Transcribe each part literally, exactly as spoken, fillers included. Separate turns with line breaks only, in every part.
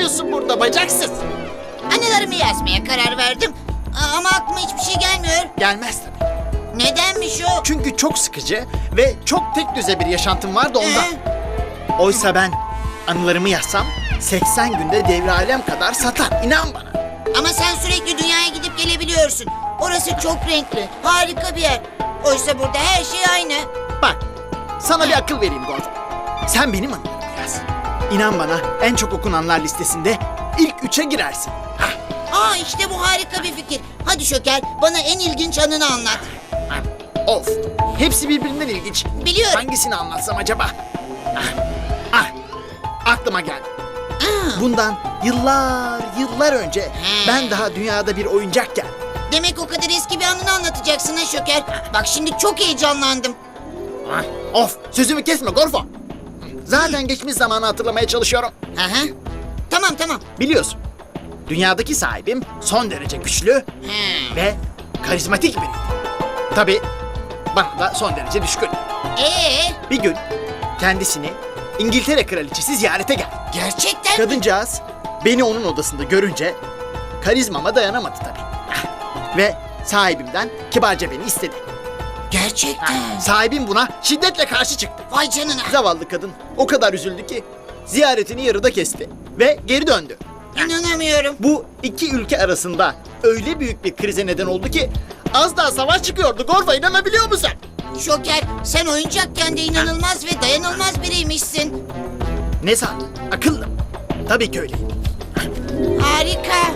yapıyorsun burada bacaksız?
Anılarımı yazmaya karar verdim. A- Ama aklıma hiçbir şey gelmiyor.
Gelmez tabii.
Nedenmiş o?
Çünkü çok sıkıcı ve çok tek düze bir yaşantım var da ondan.
Ee?
Oysa ben anılarımı yazsam seksen günde devre alem kadar satar. İnan bana.
Ama sen sürekli dünyaya gidip gelebiliyorsun. Orası çok renkli, harika bir yer. Oysa burada her şey aynı.
Bak, sana bir akıl vereyim Gorf. Sen benim anılarımı yaz. İnan bana en çok okunanlar listesinde ilk üçe girersin. Hah,
Aa işte bu harika bir fikir. Hadi Şoker, bana en ilginç anını anlat.
hah. Of, hepsi birbirinden ilginç.
Biliyorum.
Hangisini anlatsam acaba? Ah, ah, aklıma geldi.
Aa,
Bundan yıllar yıllar önce
Hmm.
ben daha dünyada bir oyuncakken
demek o kadar eski bir anını anlatacaksın ha Şoker. Bak şimdi çok heyecanlandım.
Ah, of, sözümü kesme Gorfo. Zaten geçmiş zamanı hatırlamaya çalışıyorum.
Hı hı. Tamam tamam.
Biliyorsun, dünyadaki sahibim son derece güçlü
Hı.
ve karizmatik biriydi. Tabii bana da son derece düşkün.
Ee,
Bir gün kendisini İngiltere kraliçesi ziyarete geldi.
gerçekten mi?
Kadıncağız beni onun odasında görünce karizmama dayanamadı tabii. Ve sahibimden kibarca beni istedi.
Gerçekten.
Sahibim buna şiddetle karşı çıktı.
Vay canına.
Zavallı kadın o kadar üzüldü ki ziyaretini yarıda kesti ve geri döndü.
İnanamıyorum.
Bu iki ülke arasında öyle büyük bir krize neden oldu ki az daha savaş çıkıyordu. Gorfa, inanabiliyor musun?
Şoker, sen oyuncakken de inanılmaz ve dayanılmaz biriymişsin.
Ne sandın? Akıllı. Tabii ki öyleyim.
Harika.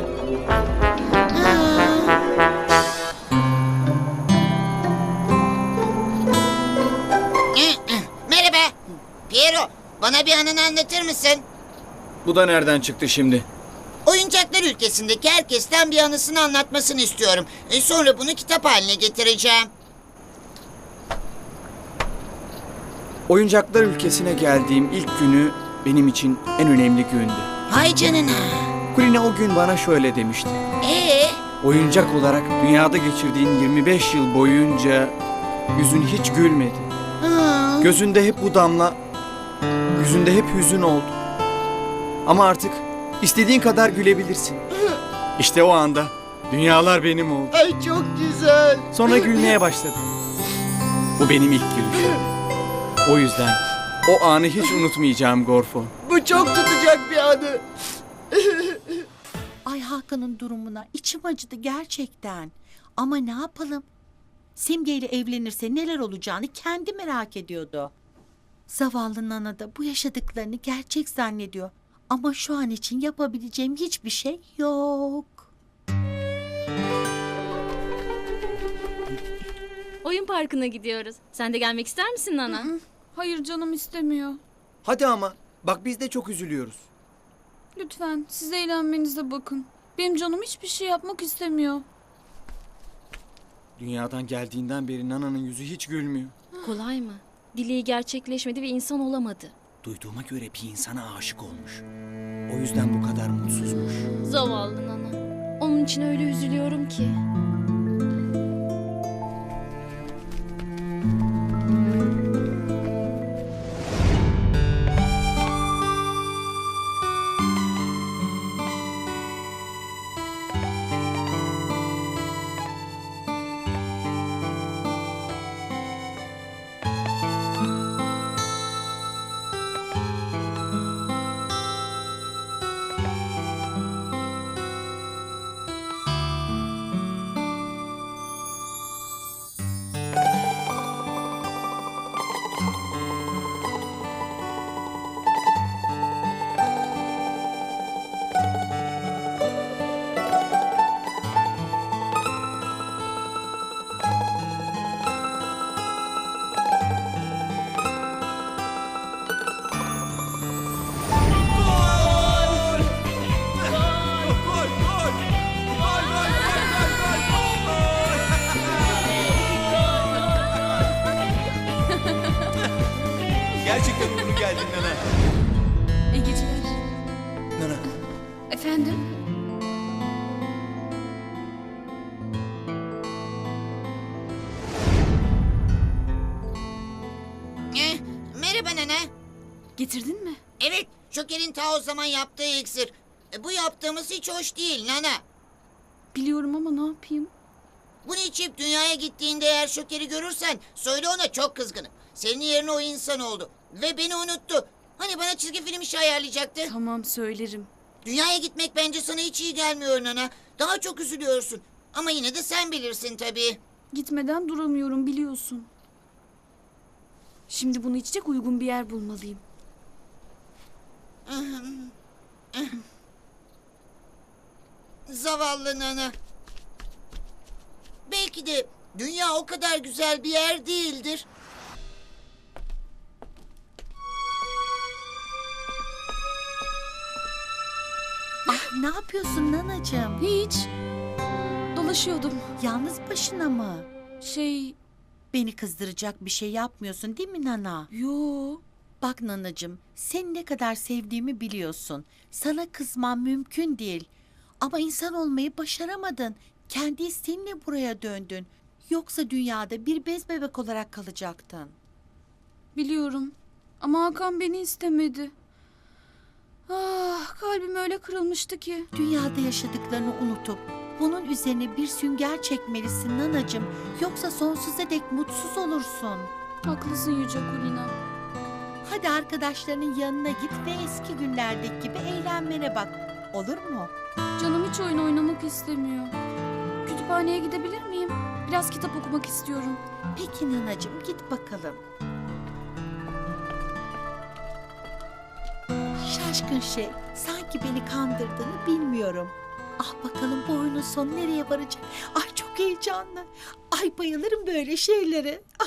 Merhaba. Piero, bana bir anını anlatır mısın?
Bu da nereden çıktı şimdi?
Oyuncaklar ülkesindeki herkesten bir anısını anlatmasını istiyorum. E, sonra bunu kitap haline getireceğim.
Oyuncaklar ülkesine geldiğim ilk günü benim için en önemli gündü.
Hay canına.
Kulina o gün bana şöyle demişti.
Ee,
Oyuncak olarak dünyada geçirdiğin yirmi beş yıl boyunca yüzün hiç gülmedi.
hı.
Gözünde hep bu damla, yüzünde hep hüzün oldu. Ama artık istediğin kadar gülebilirsin. İşte o anda dünyalar benim oldu.
Ay çok güzel.
Sonra gülmeye başladım. Bu benim ilk gülüşüm. O yüzden o anı hiç unutmayacağım Gorfo.
Bu çok tutacak bir anı.
Ay Hakan'ın durumuna içim acıdı gerçekten. Ama ne yapalım? Simge ile evlenirse neler olacağını kendi merak ediyordu. Zavallı Nana da bu yaşadıklarını gerçek zannediyor. Ama şu an için yapabileceğim hiçbir şey yok.
Oyun parkına gidiyoruz. Sen de gelmek ister misin Nana?
Hayır canım istemiyor.
Hadi ama bak biz de çok üzülüyoruz.
Lütfen siz eğlenmenize bakın. Benim canım hiçbir şey yapmak istemiyor.
Dünyadan geldiğinden beri Nana'nın yüzü hiç gülmüyor.
Kolay mı? Dileği gerçekleşmedi ve insan olamadı.
Duyduğuma göre bir insana aşık olmuş. O yüzden bu kadar mutsuzmuş.
Zavallı Nana. Onun için öyle üzülüyorum ki.
Gerçekten uğurlu geldin Nana.
İyi geceler.
Nana.
Efendim?
Eh, merhaba Nana.
Getirdin mi?
Evet, Şoker'in ta o zaman yaptığı iksir. E, bu yaptığımız hiç hoş değil Nana.
Biliyorum ama ne yapayım?
Bunu içip dünyaya gittiğinde eğer Şoker'i görürsen söyle ona çok kızgınım. Senin yerine o insan oldu. Ve beni unuttu. Hani bana çizgi film işi ayarlayacaktı.
Tamam söylerim.
Dünyaya gitmek bence sana hiç iyi gelmiyor Nana. Daha çok üzülüyorsun. Ama yine de sen bilirsin tabii.
Gitmeden duramıyorum biliyorsun. Şimdi bunu içecek uygun bir yer bulmalıyım.
Zavallı Nana. Belki de dünya o kadar güzel bir yer değildir.
Ah, ne yapıyorsun nanacığım?
Hiç. Dolaşıyordum.
Yalnız başına mı?
Şey,
Beni kızdıracak bir şey yapmıyorsun değil mi Nana?
yo.
Bak nanacığım, seni ne kadar sevdiğimi biliyorsun. Sana kızmam mümkün değil. Ama insan olmayı başaramadın. Kendi isteğinle buraya döndün. Yoksa dünyada bir bez bebek olarak kalacaktın.
Biliyorum. Ama Hakan beni istemedi. Ah, kalbim öyle kırılmıştı ki.
Dünyada yaşadıklarını unutup bunun üzerine bir sünger çekmelisin nanacığım. Yoksa sonsuza dek mutsuz olursun.
Haklısın Yüce Kulina.
Hadi arkadaşlarının yanına git ve eski günlerdeki gibi eğlenmene bak. Olur mu?
Canım hiç oyun oynamak istemiyor. Kütüphaneye gidebilir miyim? Biraz kitap okumak istiyorum.
Peki nanacığım, git bakalım. Şaşkın şey, sanki beni kandırdığını bilmiyorum. Ah bakalım bu oyunun sonu nereye varacak? Ay çok heyecanlı. Ay bayılırım böyle şeylere.